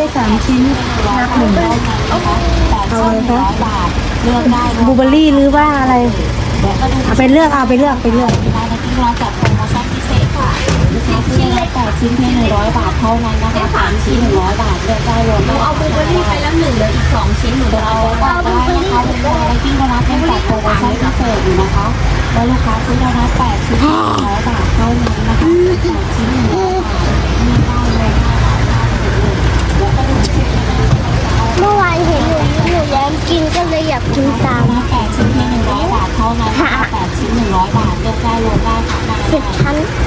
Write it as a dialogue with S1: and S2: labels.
S1: 3 ชิ้นนับหนึ่งเอาอะไรคะ
S2: บาทเลือกได้
S1: บลูเบอร์รี่หรือว่าอะไรเอาไปเลือกเอาไปเลือกไปเลือก
S2: ร้านที่เราจัดโปรโมชั่นพิเศษค่ะลูกค้าซื้อได้8 ชิ้นเพียง100 บาทเท่านั้นนะคะ3 ชิ้น100 บาทเลือกได้รวมได้เอาบลูเบอร์รี่ไปแล้ว1เหลืออีก2 ชิ้นหนูจะเอาได้นะคะลูกค้าในที่ร้านเป็นจัดโปรโมชั่นพิเศษอยู่นะคะแล้วลูกค้าซื้อได้นะ8 ชิ้น100 บาทเท่านั้นนะคะ8 ชิ้น100 บาทเลือกได้เลยแล้วก็ดูชิ้นนะคะ
S3: เมื่อวานเห็นหนูแย้มกินก็เลยอยากกินตาม
S2: 8 ชิ้นเพียง100 บาทเท่านั้นนะคะ8 ชิ้น100 บาทเลือกได้รวมได้ค่ะ
S3: 10 ชั้น